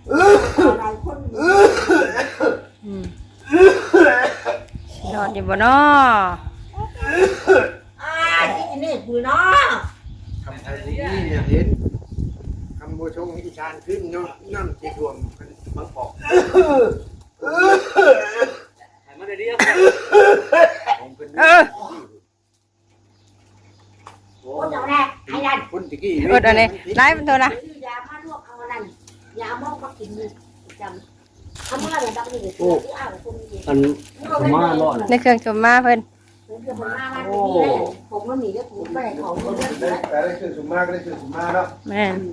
หลายคนนอนอยู่บ่เนาะที่นี่คือเนาะคำไทยนี่อยากเห็นคำโบชงอีชานขึ้นเนาะน้ำจีรวมบางปอกมาได้เรียกคนเดียวแรกไอ้นั่นคนตะกี้อดอันนี้ไล่มันเถอะนะยามาลวกเอาอันนั้นยามอกมากินจำทำอะไรแบบนี้โอ้อันขม่าร้อนในเครื่องชมมาเพิ่นโอ้ผมมันหนีก็ถูกไปของคนนั้นแต่ได้คือสุมาก็ได้คือสุมาแล้วแม่น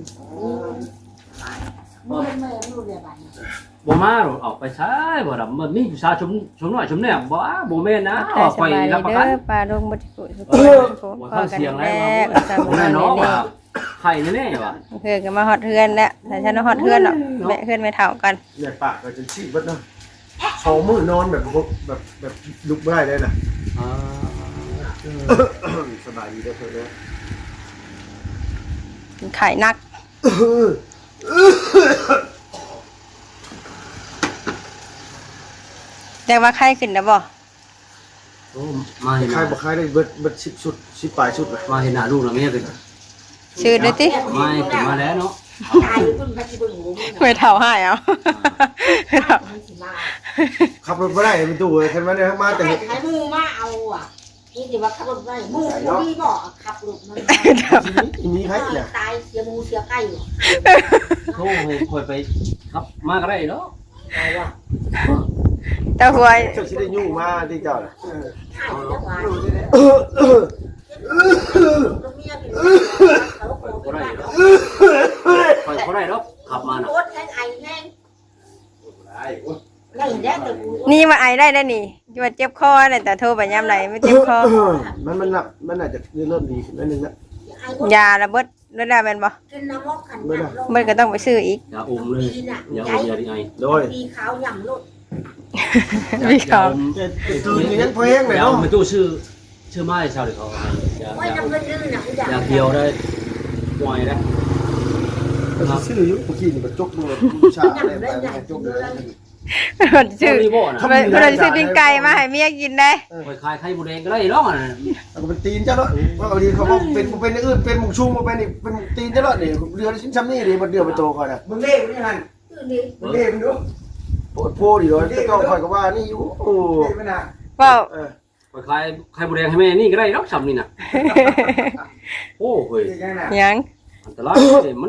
ไม่รู้เรื่องอะไรบ่มาหรอกออกไปใช้บ่ดำมันมีผู้ชายชมหน่อยชมเนี่ยบ่แม่นนะออกไปรับประกันปลาลงบ่ที่สุดบ่เข้าเสียงแล้วแน่นอนว่าไข่แน่ๆว่ะเพื่อนก็มาฮอดเฮือนแล้วแต่ฉันฮอดเฮือนหรอกแม่เฮือนไม่เท่ากันเนี่ยปากก็จะชี้บัดเนาะ2มื้อนอนแบบลุกไม่ได้เลยน่ะสบายดีเด้อเพิ่นเด้อไข่นักแต่ว่าไข่ขึ้นแล้วบ่โอ้มาเห็นใครบ่ใครได้เบิด10ชุด10ปลายชุดมาเห็นหน้าลูกแล้วแม่เป็นชื่อด้วยติไม่ขึ้นมาแล้วเนาะไม่เท่าให้เอาขับรถบ่ได้เป็นตู้คันว่าได้มาแต่ให้มือมาเอาอ่ะนี่สิว่าขับรถได้มือมีบ่ขับรถมันมีใครเนี่ยตายเสียมูเสียไก่โทรให้คอยไปครับมาก็ได้เนาะเจ้าหวยเจ้าสิได้ยุ่งมาที่เจ้าน่ะเขาได้แล้วขับมาน่ะนี่มาไอได้แล้วนี่จะว่าเจ็บคอเนี่ยแต่โทรไปยามไหนไม่เจ็บคอมันอาจจะเริ่มดีขึ้นนิดนึงละยาระเบิดแล้วได้แม่นบ่เบิดก็ต้องไปซื้ออีกอย่าอุ้มเลยอย่าอุ้มอย่าดิไงโดยมีขาวย่ำลุดมีขาวตื่นยังเพลงเลยเนาะมันตู้ชื่อไม้ชาวเด็กเขาอย่าเกี่ยวได้ปล่อยได้ชื่อยุคเมื่อกี้นี่มันจกมือชาอะไรไปจกเลยมันชื่อมันชื่อปิ้งไก่มาให้เมียกินได้ไปขายไข่บุเรงก็ได้หรอกก็เป็นตีนเจ้าเนาะว่าเอาดีเขาบอกเป็นอื่นเป็นหมูชุ่มมาเป็นอีกเป็นตีนเจ้าเนาะนี่เรือชิ้นช้ำนี่ดิมันเดือดไปโตก่อนนะมึงเล่มึงนี่ฮันมึงเล่มึงดูโผล่ดิเลยก็คอยก็ว่านี่อยู่โอ้ก็ไปขายไข่บุเรงให้แม่นี่ก็ได้หรอกช้ำนี่น่ะโอ้เฮ้ยยังอันตรายมัน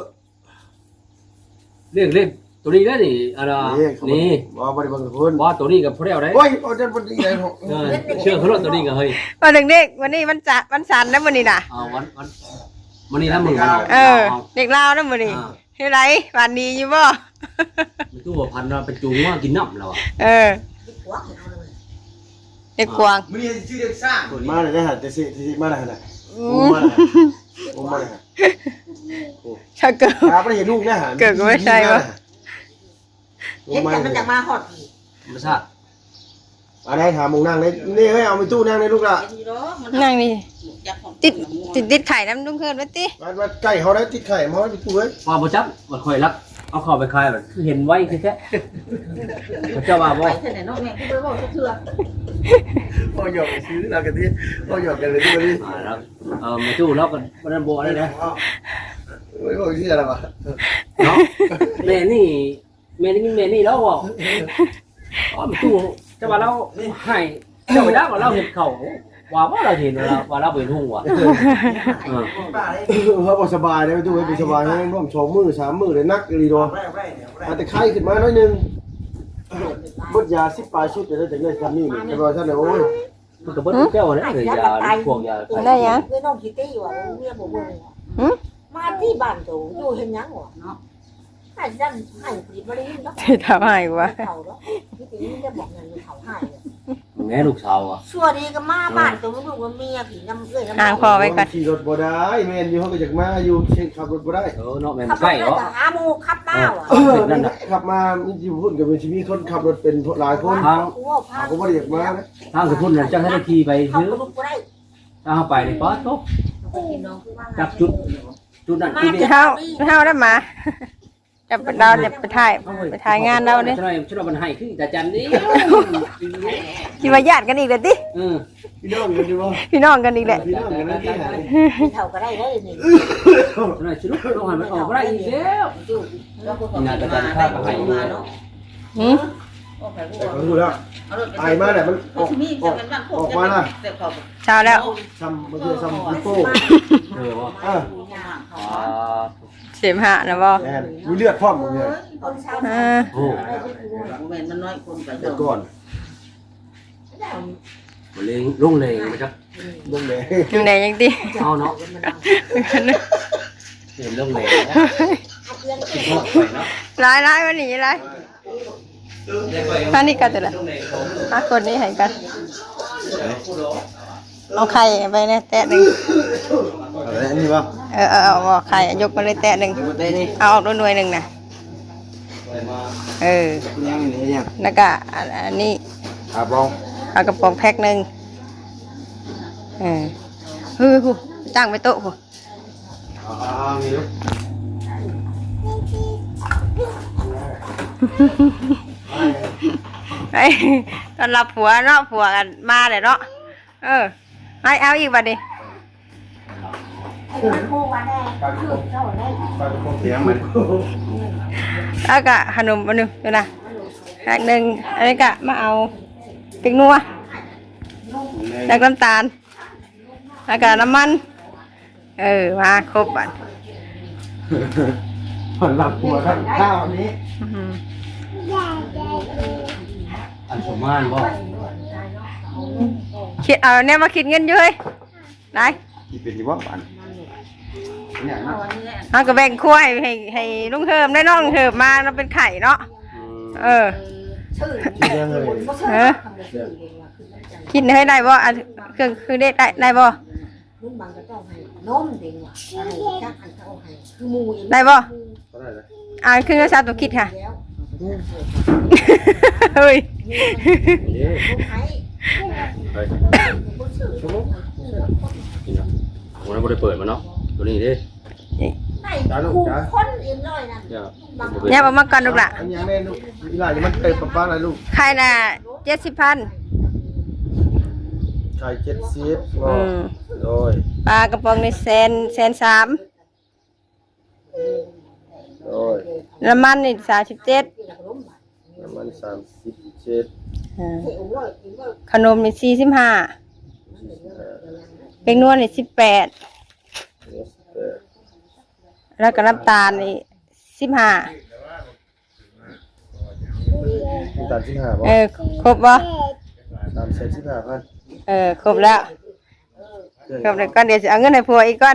เรียกตัวนี้ได้นี่อะไรนี่ว่าบริบังคนว่าตัวนี้กับพวกเราได้โอ้ยเอาจนพอดีเลยเชื่อเขาหรอกตัวนี้กับเฮ้ยวันเด็กวันนี้มันจะวันสันนะวันนี้น่ะวันนี้นะมึงเด็กลาวนะวันนี้เฮ้ยไรวันนี้อยู่บ่มันตู้พันเราไปจูงว่ากินน้ำเราเด็กกวางมันนี่ชื่อเด็กสร้างมาเลยนะฮะจะสิมาเลยนะมาเลยถ้าเกิดไม่เห็นลูกนะฮะเกิดก็ไม่ใช่วะเห็นแต่มันจะมาหอดไม่ใช่อะไรถามมึงนั่งเลยนี่ให้เอาไปตู้นั่งเลยลูกละนั่งนี่ติดไข่น้ำดุ้งเคิร์ดไว้ติมาไก่เขาได้ติดไข่มาไปตู้เว้ยว่าบ่จับมันคอยรักเอาเข้าไปคายแบบคือเห็นไว้คือแค่เจ้าบ่าวบ่เท่าไหร่น้องแม่ที่ไปบอกเถื่อพ่อหยอกซื้อเรากันที่พ่อหยอกกันเลยที่วันนี้แล้วมาตู้แล้วกันวันนั้นโบได้เลยไม่บอกชื่ออะไรวะเนาะแม่นี่แล้วบอกมาตู้จะมาเราให้เจ้าไปได้ว่าเราเห็นเขาว่าเราเห็นว่าเราเป็นหุ่งว่ะเขาบอกสบายเลยตู้ไปสบายให้ร่วม2 มื้อ 3 มื้อเลยนักรีดอแต่ไข้ขึ้นมาหน่อยนึงบดยา10 ปลายชุดจะได้ถึงได้ทำนี่แต่ว่าท่านเนี่ยโอ้ยมันก็บดแก้วนะหรือยาพวกยาได้ยังคือน้องคิตตี้อยู่อ่ะเมียบอกว่ามาที่บ้านตัวอยู่เห็นยังหรอเนาะให้ดันให้ผิดมาเลยเนาะที่ทำให้วะเขาเนาะพี่ติ๋มจะบอกเงินเขาให้แม่ลูกสาวอ่ะชัวดีก็มาบ้านตัวลูกว่าเมียผีน้ำเอื้อยน้ำพอไว้ก่อนขี่รถบ่ได้แม่อยู่เขาก็จากมาอยู่เช่นขับรถบ่ได้เนาะแม่ใกล้เหรอหาโมขับมาอ่ะนั่นแหละขับมาอยู่พุ่นกับเป็นชีวิตคนขับรถเป็นหลายคนเขาก็บ่ได้อยากมานะทางสุพุ่นน่ะเจ้าให้ได้ขี่ไปซื้อถ้าเอาไปนี่ป๊อดตุ๊กจับจุดนั้นจุดนี้เท่าได้มาจะไปเราจะไปถ่ายงานเราเด้ช่วยมันให้คือตาจันดิสิว่าญาติกันอีกแล้วติพี่น้องกันดีบ่พี่น้องกันอีกแหละพี่น้องกันนี่หาไม่เท่าก็ได้เลยนี่ช่วยชุลุกลงหันมันออกได้อีกแล้วอยู่แล้วก็มามาเนาะหืมแต่เขาพูดแล้วไอ้มาเนี่ยมันออกมาน่ะเช้าแล้วซ้ำมันคือซ้ำลิโป้ว่าเสมหะนะบ่แอนมีเลือดพร้อมหมดเลยโอ้มันน้อยคนไปแต่ก่อนมันเลยลงเลยมาจักเบิ่งเลยอยู่ไหนยังติเอาเนาะเห็นลงเลยคิดฮอดไปเนาะหลายวันนี้หลายท่านี่กันตัวละ5คนนี้ให้กันเอาไข่ไปเนี่ยแตะหนึ่งอะไรอันนี้บ่เอาไข่ยกมาเลยแตะหนึ่งเอาออกด้วยหน่วยหนึ่งนะยังนี่ยังแล้วก็อันนี้ครับลองเอากระป๋องแพ็คหนึ่งผู้จ้างไปโต๊ะผู้มีลูกไอ้ตอนรับผัวเนาะผัวกันมาเลยเนาะให้เอาอีกบัดนี้เสียงมันแล้วก็ขนมอันหนึงดูนะแพ็คหนึ่งอันนี้ก็มาเอาพริกนัวแล้วน้ำตาลแล้วก็น้ำมันมาครบบัดผลหลับหัวข้าวนี้อันสมานบ่คิดเอาเนี่ยมาคิดเงินอยู่เฮ้ยได้กี่เป็นยี่ว่าบ้านเนี่ยนะเอาก็แบ่งขั้วให้ลุงเฮิมได้น้องเฮิมมาเราเป็นไข่เนาะคิดยังเลยคิดให้ได้บ่เครื่องคือได้บ่รุ่นบางก็ต้องให้นมเด็กว่ะให้จักอันเขาให้คือหมูได้บ่ก็ได้เลยเครื่องกระซาตัวคิดค่ะแล้วเฮ้ยวันนั้นบ่ได้เปิดมาเนาะตัวนี้ดิได้คู่คนเอ็มร้อยนั่นเนี่ยเอามาก่อนลูกล่ะอันยังแน่ลูกอีหลานมันเต็มป้าอะไรลูกไข่น่ะ70,000 ไข่70โดยปลากระป๋องนี่103,000 โดยน้ำมันนี่37 น้ำมัน37 ขนมนี่45เป็นนวลนี่18แล้วก็น้ำตาลนี่15 มีตัดที่5บ่ครบบ่ 315,000 ครบแล้วครบแล้วก็เดี๋ยวจะเอาเงินให้ผัวอีกก่อน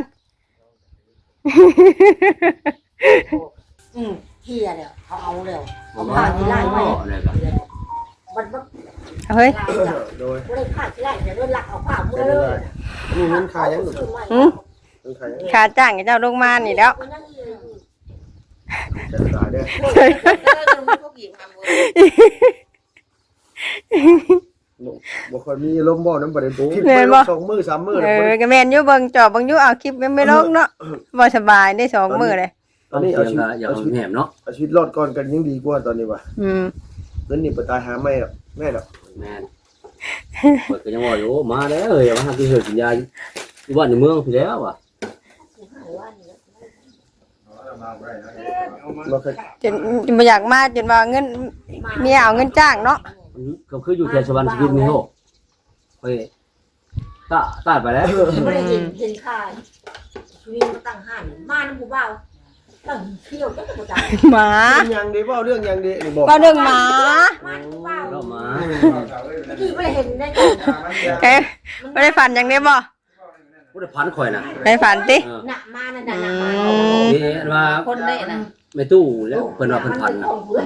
เฮียเดี๋ยวเอาเร็วบ่มาไล่ไว้อะไรก็มันเฮ้ยโดยไม่ได้ขาดที่ไรเดี๋ยวหลักเอาผ้ามือเลยนี่เงินขายยังลูก เงินขายยังค่าจ้างกับเจ้าลงมานี่แล้วจะขายเด้บ่ค่อยมีลมบ่น้ำประเด็นปุ๊บคิดไป2มื้อ3มื้อก็แม่นอยู่เบิ่งจอบเบิ่งอยู่เอาคลิปไม่ลงเนาะบ่สบายได้2มื้อเลยตอนนี้เอาชีวิตอย่าเอาแหนมเนาะเอาชีวิตรอดก่อนกันยังดีกว่าตอนนี้ว่ะ เงินนี่บ่ตายหาไม่หรอกแม่หรอกแม่นเปิดก็ยังว่าอยู่มาแล้วอย่ามาหากินเหือกินยาอยู่บ้านในเมืองพี่แล้วอ่ะบ่เคยจนบ่อยากมาจนว่าเงินเมียเอาเงินจ้างเนาะก็คืออยู่แถวสวรรค์ชีวิตมีโหเฮ้ยตาไปแล้วไม่ได้เห็นค่าชีวิตมาตั้งห้านมาน้ำผู้เบาตั้งเที่ยวตั้งแต่จ้าหมายังดีบ่เรื่องยังดีนี่บอกก็เรื่องหมามาน้ำผู้เบาเรามาที่ไม่ได้เห็นได้ก่อนบ่ได้ฝันอย่างนี้บ่ผู้ได้พันข่อยน่ะได้ฝันติหนักมานะหนักมานี่ว่าคนได้นะไม่ตู้แล้วเพิ่นว่าเพิ่นพันน่ะ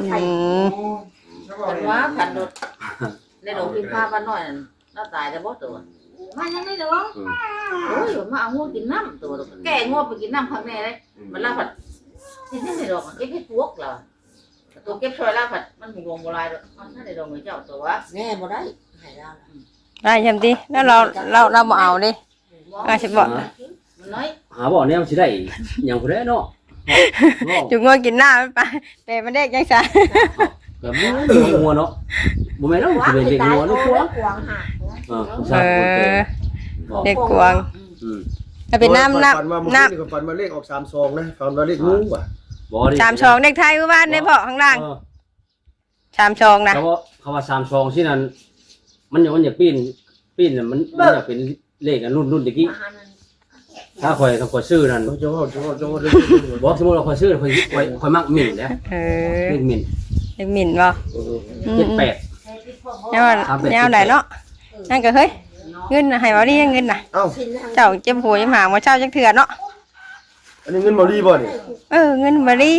แต่ว่าขันรถในโรงพิมพ์ผ้าบ้านน้อยนั่นน่าตายแต่บ่ตัวมายังไม่เด้อโอ้ยมาเอางัวกินน้ำตัวแก่งัวไปกินน้ำข้างในเลยมันลาผัดที่นี่ในดอกเก็บให้พวกเราตัวเก็บช่วยลาผัดมันมีวงโบราณด้วยมันน่าได้ดอกเหมือนเจ้าตัวแน่บ่ได้หายแล้วได้ใช่มั้ยติแล้วเราบ่เอาดิสิบ่มันน้อยหาบ่แนวสิได้หยังผู้ใดเนาะจุกงัวกินหน้ามันไปแต่มันเด็กยังซะก็บ่งัวเนาะบ่แม่นเนาะสิเป็นเด็กงัวนี่กวางกวางหักผู้เอชายคนแก่อเด็กกวางอืมถ้าเป็นน้ำฝัน้ำฝันมาเลขออก32นะฝันว่าเลขงูว่ะบ่ได้ 32เด็กไทยบ้านในเพาะข้างล่าง32นะเขาว่าเขาว่า32ที่นั่นมันอยากปีนน่ะมันอยากเป็นเลขอันรุ่นตะกี้ถ้าข่อยซื้อนั่นจะว่าบ่สมมุติว่าข่อยซื้อข่อยมักหมิ่นนะเออเลขหมิ่นเด็กหมิ่นบ่ 78 แนวแนวไหนเนาะนั่นก็เฮ้ยเงินน่ะให้บ่ดีเงินน่ะเอ้าเจ้าเจ็บหัวยังหาบ่เช้าจักเทื่อเนาะอันนี้เงินบ่ดีบ่นี่เงินบ่ดี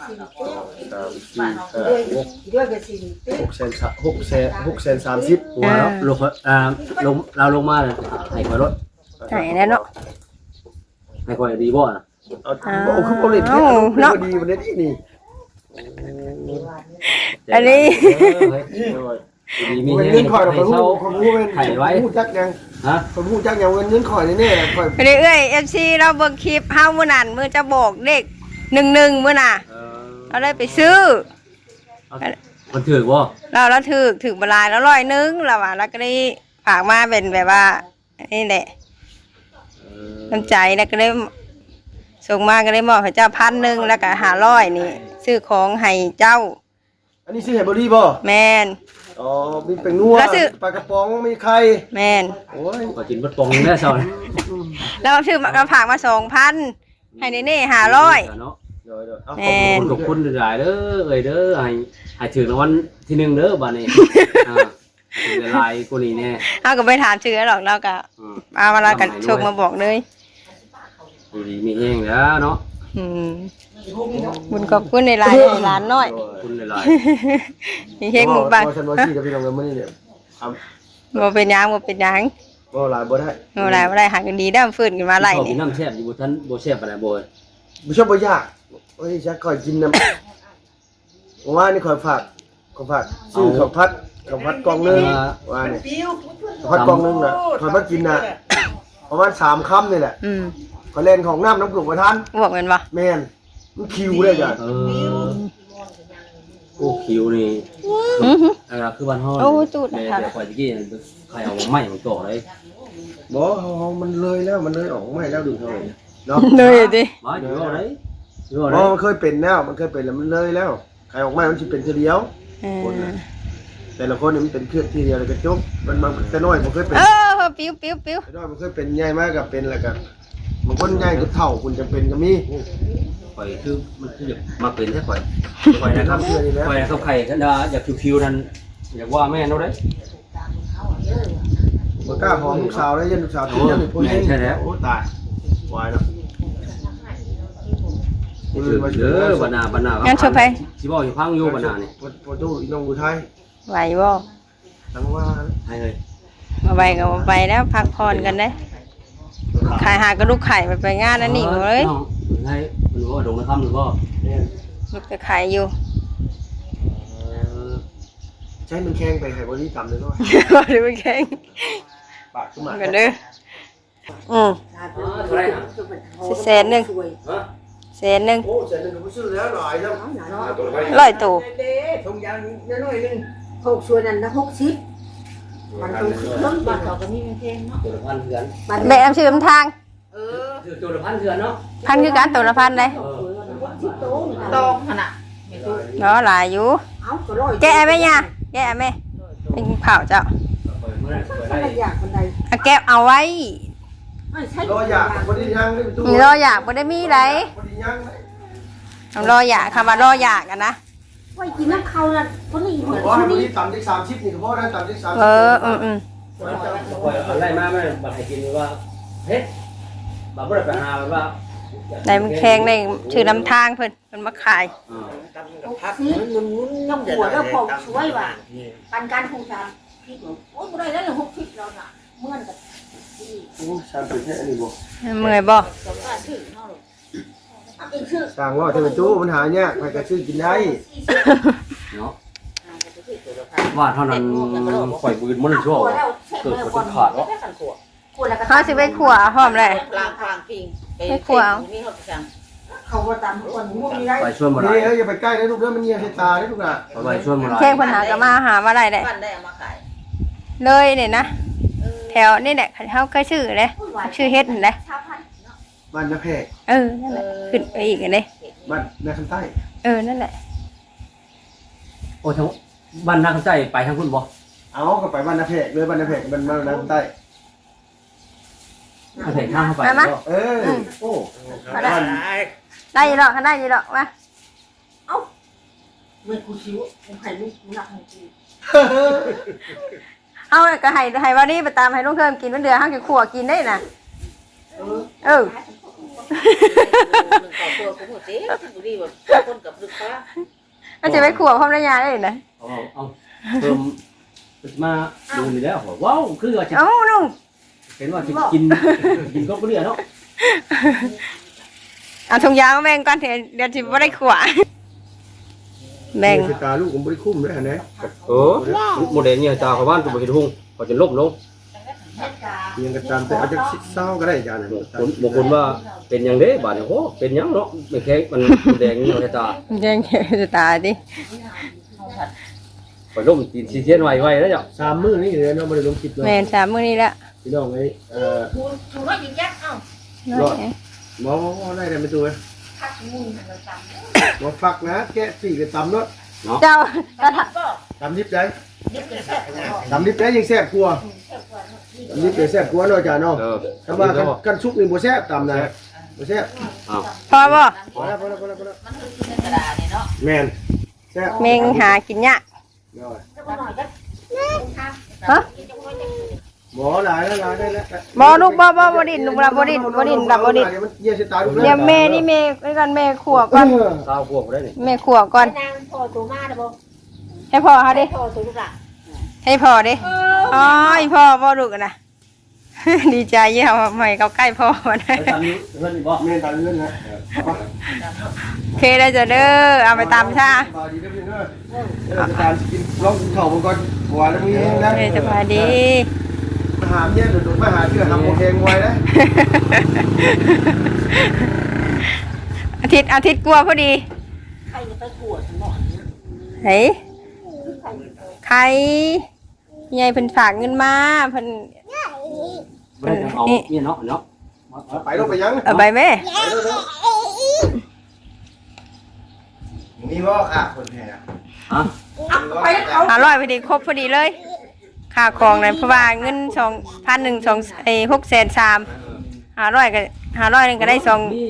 ด้วยกันสิ 630 ว่าแล้วเราลงมาเลยให้ข่อยรถไหนแน่เนาะให้ข่อยดีบ่น่ะเอาคือบ่เล่นเนาะดีบ่ได้นี่อันนี้ดีมีเงินข่อยเราคนฮู้เป็นฮู้จักยังฮะคนฮู้จักยังเงินข่อยแน่ๆข่อยไปเรื่อย FC เราเบิ่งคลิปเฮามื้อนั้นมื้อจะบอกเลข11มื้อน่ะเราเลยไปซื้อมันถือบ่เราถือบลายแล้ว100แล้วว่าแล้วก็ได้ฝากมาเป็นแบบว่านี่แหละน้ำใจแล้วก็ได้ส่งมาก็ได้มอบให้เจ้า1,000แล้วก็500นี่ซื้อของให้เจ้าอันนี้ซื้อให้บ่ดีบ่แม่นอ๋อมีเป็นนัวปลากระป๋องมีไข่แม่นโอ้ยก็กินบัดปองแน่ซอยแล้วซื้อมาฝากมา2,000ให้นี่500 เนาะเดี๋ยวเอาแม่นขอบคุณหลายๆเด้อเด้อให้ถึงรางวัลที่1เด้อบัดนี้ถึงหลายกูนี่แน่เฮาก็ไปถามชื่อหรอกเราก็เอาเวลากันชกมาบอกเลยดูดีมีแห้งแล้วเนาะบุญขอบคุณในหลายหลานน้อยขอบคุณหลายมีเฮงหมู่บ้านฉันว่าซี่กับพี่น้องกันมื้อนี้เนี่ยบ่เป็นหยังบ่เป็นหยังบ่หลายบ่ได้บ่ได้บ่ได้หากันดีได้ฟื้นขึ้นมาๆไล่ชอบกินี่นน้ำแซ่บอยู่บ่ทันบ่แซ่บปานใดบ่บ่ชอบบ่ยากโอ้ยฉันค่อยกินน้ำว่านี่ค่อยฝากซื้อข้าวผัดกล่องนึงว่านี่ข้าวผัดกล่องนึงน่ะค่อยมากินน่ะประมาณ3ค่ำนี่แหละ ขอเล่นของน้ำน้ำกลุ่มประทานบอกแม่นบ่แม่นมันคิวเลยจ้ะโอ้คิวนี่คือบ้านเฮาโอ้ตูดแต่ค่ะข่อยตะกี้ใครเอาไม้มาต่อเลยบ่มันเลยแล้วมันเลยออกไม่แล้วดูเท่าไหร่เนาะเลยดิมาอยู่เอาไหนอยู่บ่เอาไหนมันเคยเป็นแล้วมันเคยเป็นแล้วมันเลยแล้วใครออกไม่มันสิเป็นทีเดียวแต่ละคนนี่มันเป็นเครื่องทีเดียวแล้วก็จบมันแต่น้อยมันเคยเป็นปิ้วแต่น้อยมันเคยเป็นใหญ่มากกับเป็นแล้วก็บางคนใหญ่ก็เท่าคุณจะเป็นก็มีข่อยคือมันคือมาเป็นแท้ข่อยนะครับเชื่อนี่แล้วข่อยนะครับไข่กันดาอยากคิวๆนั่นอยากว่าแม่นเอาได้บ่กล้าหอมลูกสาวได้ยันลูกสาวที่ยังมีผู้หญิงโอ้ตายวายเนาะเด้อบัดหน้าสิบ่อยู่พังอยู่บัดหน้านี่ประตูอีน้องอุทัยไหวบ่ทั้งว่าให้เลยบ่ไปก็บ่ไปแล้วพักผ่อนกันเด้ขายหากระดูกไข่ไปงานนั่นนี่เลยให้มันว่าดงนะครับหรือว่าลูกจะขายอยู่ใช้มันแข้งไปให้บ่ดีต่ำเลยเนาะบ่ได้ไปแข่งปากขึ้นมากันเด้อแสนหนึ่งโอ้เสร็จแล้วก็ซื้อแล้วหลายแล้ว 100ตู้ทงยางน้อยๆนึง6ส่วนนั้นนะ60มันต้องซื้อบ้านเขาก็มีเพลงเนาะตัวละพันเถื่อนแบกน้ำชื่อน้ำทางตัวละพันเถื่อนเนาะพันคือการตัวละพันเลยตองขนาดเนาะหลายอยู่เอาก็ร้อยแกะไหมเนี่ยแกะไหมเป็นเผาเจ้าอะไรอยากคนใดเอาแก้วเอาไว้ไม่ใช่รออยากบ่ได้ยังนี่ประตูมีรออยากบ่ได้มีไรบ่ได้ยังรออยากคำว่ารออยากกันนะไว้กินน้ำเขาน่ะคนนี้เหมือนบ่คนให้บ่นี้ดีต่ำได้30นี่ก็พอได้ต่ำได้30 ไล่มาไม่บัดให้กินว่าเฮ็ดบัดบ่ได้ไปหาว่าในมันแข็งในชื่อน้ำทางเพิ่นมาขาย 60มันยังหัวแล้วพอสวยว่ะปันการคงจานพี่บอกโอ้ยบ่ได้แล้ว60แล้วน่ะเมื่อนกับโอ้สามสิบเนี่ยอันนี้บ่เมื่อยบ่สองบาทถึงเนาะเอาไปซื้อสั่งว่าเทประตูมันหายากใครก็ซื้อกินได้เนาะว่าเท่านั้นข่อยบืนมันชั่วเกิดคนขาดวะเขาสิไปขัวหอมเลยพลางพิงมีหดจังเขาเขาว่าตามทุกคนง่วงมีได้ไปชวนบ่ได้นี่เอ้ยอย่าไปใกล้นะลูกเด้อมันเงียบใส่ตาได้ลูกน่ะไปชวนบ่ได้แข้งปัญหาก็มาหามาได้แหละบ้านได้เอามาขายเลยเนี่ยนะแถวนี่แหละเขาเคยชื่อเลยชื่อเฮ็ดนั่นแหละชาวพันธุ์เนาะบ้านนาแพกนั่นแหละขึ้นไปอีกอันนี้บ้านนาคำใต้นั่นแหละโอ้ทั้งบ้านนาคำใจไปทางคุณบ่เอาก็ไปบ้านนาแพกเลยบ้านนาแพกมันบ้านนาคำใต้มาเห็นข้างเข้าไปเออโอ้ได้ยี่หรอกได้ยี่หรอกมาเมื่อกูชิวกูไข่ลูกกูหนักของกูเอาก็ให้วันนี้ไปตามให้ลุงเทิมกินวันเดือนห้างกินขั่วกินได้น่ะหนึ่งต่อตัวกูหมดเจ๊กูดีแบบคนกับลูกค้าก็จะไปขั่วพร้อมระยะได้นะเอาเพิ่มมาดูนี่แล้วว้าวคือว่าจะเอ้าลุงเห็นว่าจะกินก็เรื่อยเนาะเอาถุงยางมาแบ่งก่อนเดี๋ยวจะไม่ได้ขั่วแบ่งใส่ตาลูกผมบ่ได้คุ้มเลยนะโมเดลเนี่ยตาเขาบ้านตัวเห็นหุ่งเขาจะลบลงยังกระตามแต่อาจจะเศร้าก็ได้อาจารย์บางคนว่าเป็นอย่างเด้บาดเนี่ยโอ้เป็นอย่างเนาะไม่แข็งมันแดงนี่เราตาแดงจะตายดิไปล้มตีนซีเทียนไว้แล้วจ้ะ 3 มื้อนี่เลยเนาะบ่ได้ลงคลิปเนาะแม่น3 มื้อนี้ละพี่น้องเอ้ยถูกน้อยยิงยักษ์เอ้าหมอได้ได้ไม่ตัวพักมุนเราตามบ่ฟักนะแกะสี่ก็ตำเนาะเจ้าก็ตำดิบได้ยึดกระแสแล้วตำดิบได้ยังแซ่บกว่าตำดิบได้แซ่บกว่าเนาะอาจารย์เนาะถ้าว่ากันสุกนี่บ่แซ่บตำนะบ่แซ่บพอบ่พอแล้วมันคือในกระดาษนี่เนาะแม่นแซ่บเมงหากินยากจะมาหน่อยจักฮะหมอหลายแล้วหลายได้แล้วบ่ลูกบ่ดินลูกบ่ดินดับบ่ดินมันเยี่ยสิตาลูกเดี๋ยวแม่นี่แม่ด้วยกันแม่ขั่วก่อนสาวพวกได้นี่แม่ขั่วก่อนนางพ่อตัวมาเด้อบ่ให้พ่อเฮาดิพ่อตัวลูกละให้พ่อดิอ๋ออีพ่อบ่ลูกนะ ดีใจเยี่ยมใหม่เขาใกล้พ่อมาได้ไปตามนี้เพื่อนบ่แม่ตาเลื่อนนะโอเคได้จะเด้อเอาไปตามชาสบายดีเด้อพี่เด้ออาจารย์กินลองข้าวก่อนหัวแล้วมีนะเฮ้ยสบายดีมาหาเนี่ยหรือมาหาเชื่อทำโอเคงไว้นะอาทิตย์กลัวพอดีใครจะไปขวดหมอนเฮ้ยใครยายเพิ่นฝากเงินมาเพิ่นไม่ได้เอาเนี่ยเนาะเนาะไปลงไปยังเอาไปแม่มีว่าค่ะคนแห่ฮะไปเอา 500พอดีครบพอดีเลยค่าของนั้นเพราะว่าเงิน2,100 6,300 500ก็500นึงก็ได้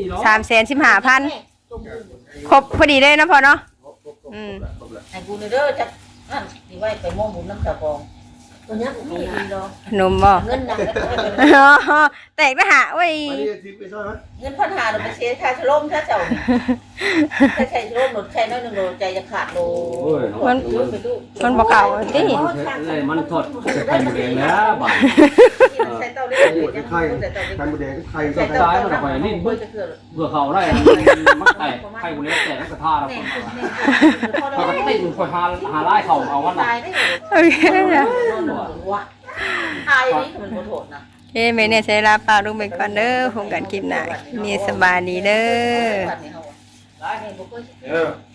3,15,000ครบพอดีเลยนะพ่อเนาะให้กูเด้อจักนั่นสิไว้ไปมองบุญน้ำตาฟองตัวนี้ผมมีดีดอกขนมบ่เงินนะแตกนะฮะเว้ยไปนี่ทิพย์ไปซ่อนไหมเงินพันหาเราไปเสียค่าชะลมค่าเจ้าถ้าใช้ชะลมหมดใช้น้อยหนึ่งโลใจจะขาดโลมันบ่เก่าติเลยมันทอดใส่หมูแดงแล้วบาดใช้เตาเล็กไข่ไข่หมูแดงไข่ใช้ไข่เตามันไปนี่เพื่อจะเกิดเบื่อเขาได้มันแตกไข่หมูแดงแตกแล้วก็ท่าแล้วแน่เขาก็ติดคอยหาไล่เขาเอาวันตายได้โอเคนะวะตายนี่มันโหดนะเฮ้แม่เนี่ยใช้ลาปลาลูกไปก่อนเด้อผมกันคลิปหน้ามีสบายดีเด้อได้เนี่ยบุกไปเออ